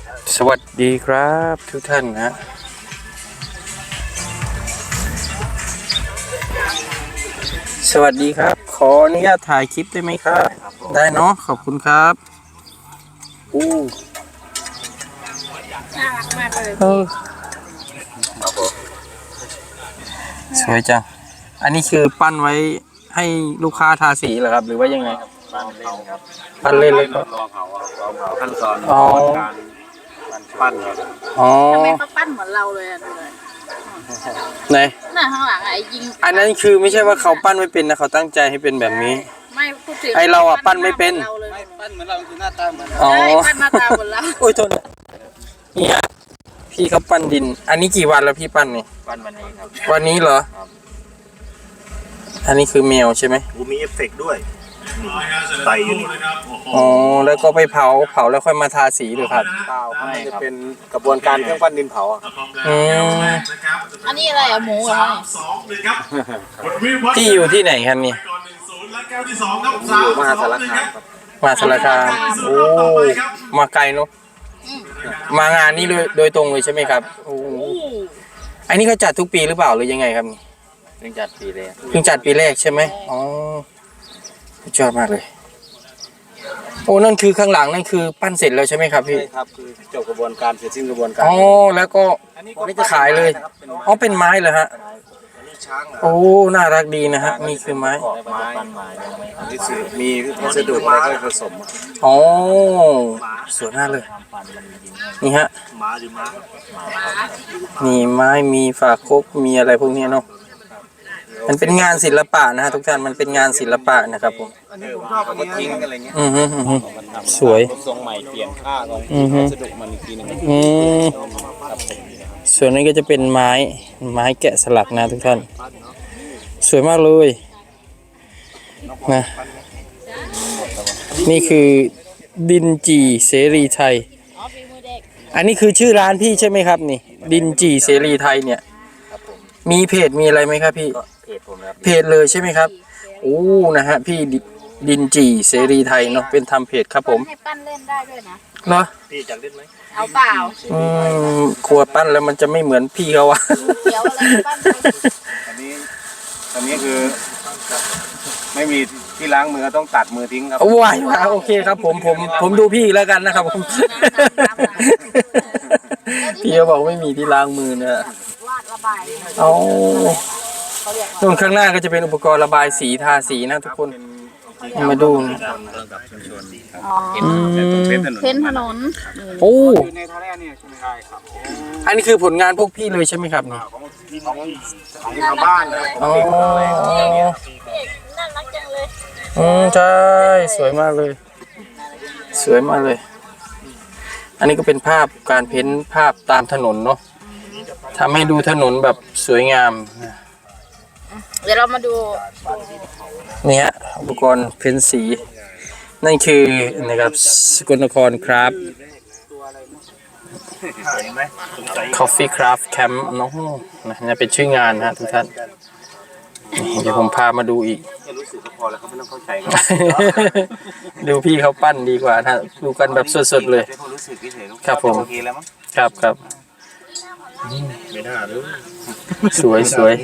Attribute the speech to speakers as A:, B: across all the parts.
A: สวัสดีครับทุกท่านนะสวัสดีครับขออนุญาตถ่ายคลิปได้ไหมครับได้เนาะขอบคุณครับอู้
B: น่ารักมากเลย
A: สวยจังอันนี้คือปั้นไว้ให้ลูกค้าทาสีเหรอครับหรือว่ายังไงครับปั้นเล่นเลยครับ
C: รอเผาขั้นตอนการปั้น
A: อ๋อ
B: ทำไมเขาปั้นเหมือนเราเลยอ่ะดูเลย
A: ไหน
B: น่ะข้างหลังไอ้ยิง
A: อันนั้นคือไม่ใช่ว่าเขาปั้นไม่เป็นนะเขาตั้งใจให้เป็นแบบนี้
B: ไม่พูดถึง
A: ไอเราอ่ะปั้นไม่เป็น
C: ปั้นเหมือนเราคือหน้าตาเหมือน
A: อ๋อ
B: ปั้นหน้าตาเหมือนเรา
A: โอ้ยโทษนี่ฮะพี่เขาปั้นดินอันนี้กี่วันแล้วพี่ปั้นนี่
C: ปั้นวันนี้ครับ
A: วันนี้เหรออันนี้คือแมวใช่ไหม
C: มีเอฟเฟกต์ด้วยใส่อยู่นี่
A: อ๋อแล้วก็ไปเผาแล้วค่อยมาทาสีหรือครับ
C: เปล่าไม่จะเป็นกระบวนการเครื่องปั้นดินเผา
B: อันนี้อะไรอะหมูเหรอ
A: พี่อยู่ที่ไหนครับนี่
C: อยู่มหาสารคามครับ
A: มหาสารคามโอ้มาไกลเนาะมางานนี้โดยตรงเลยใช่ไหมครับโอ้อันนี้เขาจัดทุกปีหรือเปล่าหรือยังไงครับนี่
C: เพิ่งจัดปีแรก
A: ใช่ไหมอ๋อสุดยอดมากเลยโอ้นั่นคือข้างหลังนั่นคือปั้นเสร็จแล้วใช่ไหมครับพี่
C: ใช่ครับคือจบกระบวนการเสร็จสิ้นกระบวนการ
A: อ๋อแล้วก็จะขายเลยอ๋อเป็นไม้เหรอฮะโอ้น่ารักดีนะฮะนี่คือไม้
C: มีวัสดุอะไรก็ผสม
A: อ๋อสวยมากเลยนี่ฮะนี่ไม้มีฝาครกมีอะไรพวกนี้เนาะมันเป็นงานศิลปะนะฮะทุกท่านมันเป็นงานศิลปะนะครับผม
C: ทิ้งอะไรเงี้ย
A: สวย
C: ทรงใหม่เปลี่ยนค่าของวัสดุมันอีกทีนึง
A: ส่วนนี้ก็จะเป็นไม้แกะสลักนะทุกท่านสวยมากเลยนะนี่คือดินจีเสรีไทยอันนี้คือชื่อร้านพี่ใช่ไหมครับนี่ดินจีเสรีไทยเนี่ยมีเพจมีอะไรไหมครับพี่เพจเลยใช่ไหมครับโอ้นะฮะพี่ดินจีเสรีไทยเนาะเป็นทำเพจครับผม
B: ให้ปั้นเล่นได้ด้วยนะ
A: เนาะ
C: พี่จักเล่นไหม
B: เอาเปล่า
A: ครัวปั้นแล้วมันจะไม่เหมือนพี่เขาวะ
B: เดี๋ยวอะไรปั้น
C: อันนี้คือไม่มีที่ล้างมือต้องตัดมือทิ้งครับ
A: ว้าวโอเคครับผมดูพี่แล้วกันนะครับผมพี่เขาบอกไม่มีที่ล้างมือนะ
B: วาดระบาย
A: เอาส่วนข้างหน้าก็จะเป็นอุปกรณ์ระบายสีทาสีนะทุกคนมาดู
B: เพ้นถนน
A: โอ้
C: ในท่าแรกเนี่ยใช่ไหมครับ
A: อันนี้คือผลงานพวกพี่เลยใช่ไหมครับเนี่ย
C: ของชาวบ้านนะ
A: อ๋อ
B: น่ารักจังเลย
A: ใช่สวยมากเลยอันนี้ก็เป็นภาพการเพ้นภาพตามถนนเนาะทำให้ดูถนนแบบสวยงาม
B: เดี๋ยวเรามาดู
A: เนี่ยอุปกรณ์เพ้นสีนั่นคือนะครับสกลนครครับ Coffee Craft Camp น้องนี่เป็นชื่องานนะทุกท่านเดี๋ยวผมพามาดูอีก
C: รู้สึกก็พอแล้วเขาไม่ต้องเข้าใจ
A: ดูพี่เขาปั้นดีกว่านะดูกันแบบสดๆเลยครับผมครับ
C: ไม่น่าเลย
A: สวย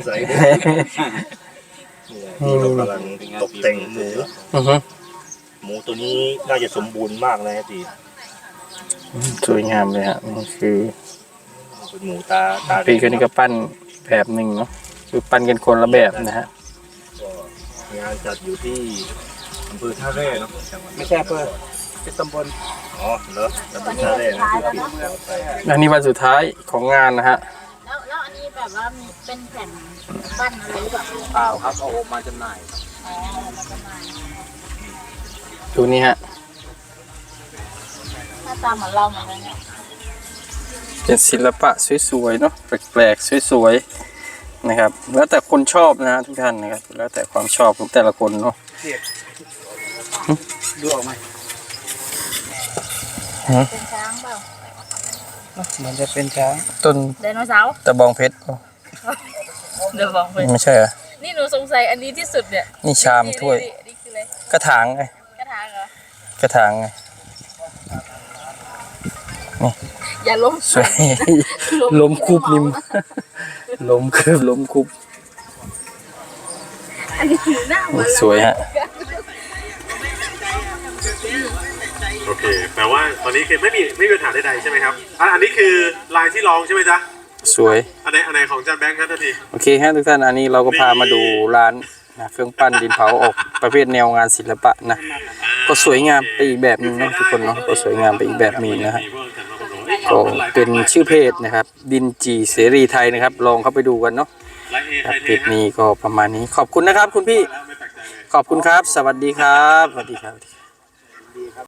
C: นี่เรากำลังตกแต่งหมูตัวนี้น่าจะสมบูรณ์มากเลยจี
A: สวยงามเลยฮะนี่คือ
C: หมูตา
A: พี่คนนี้ก็ปั้นแบบหนึ่งเนาะคือปั้นกันคนละแบบนะฮะ
C: งานจัดอยู่ที่อำเภอท่าแร่เนาะไม่ใช่อำเภอเป็นตำบลอ๋อเหรอตำบลท่าแร่นะที่ปิดแล้วไป
A: อันนี้วันสุดท้ายของงานนะฮะ
B: แล้วอันนี้แบบว่ามีเป็นแผ่นปั้นอะไรหรือเปล่า
C: เปล่าครับเอามาจำหน่าย
A: ดูนี่ฮะ
B: หน้าตาเหมือนเราเหมือนกันเนี่ย
A: เป็นศิลปะสวยๆเนาะแปลกๆสวยๆนะครับแล้วแต่คนชอบนะทุกท่านนะครับแล้วแต่ความชอบของแต่ละคนเนาะ
C: ดูออกไหม
B: เป็นช้างเปล่า
A: มันจะเป็นช้างต้น
B: ไดโนเสาร์
A: ตะบองเพชร
B: เดี๋ยวบอกเลย
A: ไม่ใช่เหรอ
B: นี่หนูสงสัยอันนี้ที่สุดเนี่ย
A: นี่ชามถ้วยกระถางไง
B: กระถางเหรอ
A: กระถางไง
B: อย่าล้ม
A: สวยล้มคุบนิ่มล้มคืบล้มคุบ
B: อันนี้หน้าเหมือน
A: สวยฮะ
D: โอเคแปลว่าตอนนี้คือไม่มีปัญหาใดๆใช่ไหมครับอันนี้คือลายที่ลองใช่ไหมจ๊ะ
A: สวย
D: อันไหนของจานแบงค์ครับท่านที
A: โอเคฮะทุกท่านอันนี้เราก็พามาดูร้านนะเครื่องปั้นดินเผาออกประเภทแนวงานศิลปะนะก็สวยงามไปอีกแบบหนึงเนาะทุกคนเนาะก็สวยงามไปอีกแบบหนึงนะฮะก็เป็นชื่อเพจนะครับดินจีเสรีไทยนะครับลองเข้าไปดูกันเนาะ
D: ลายเอ
A: ครับ
D: ไทย
A: เพจนี้ก็ประมาณนี้ขอบคุณนะครับคุณพี่
D: ไม่แปลกใจเลย
A: ขอบคุณครับ สวัสดีครับสวัสดีครับ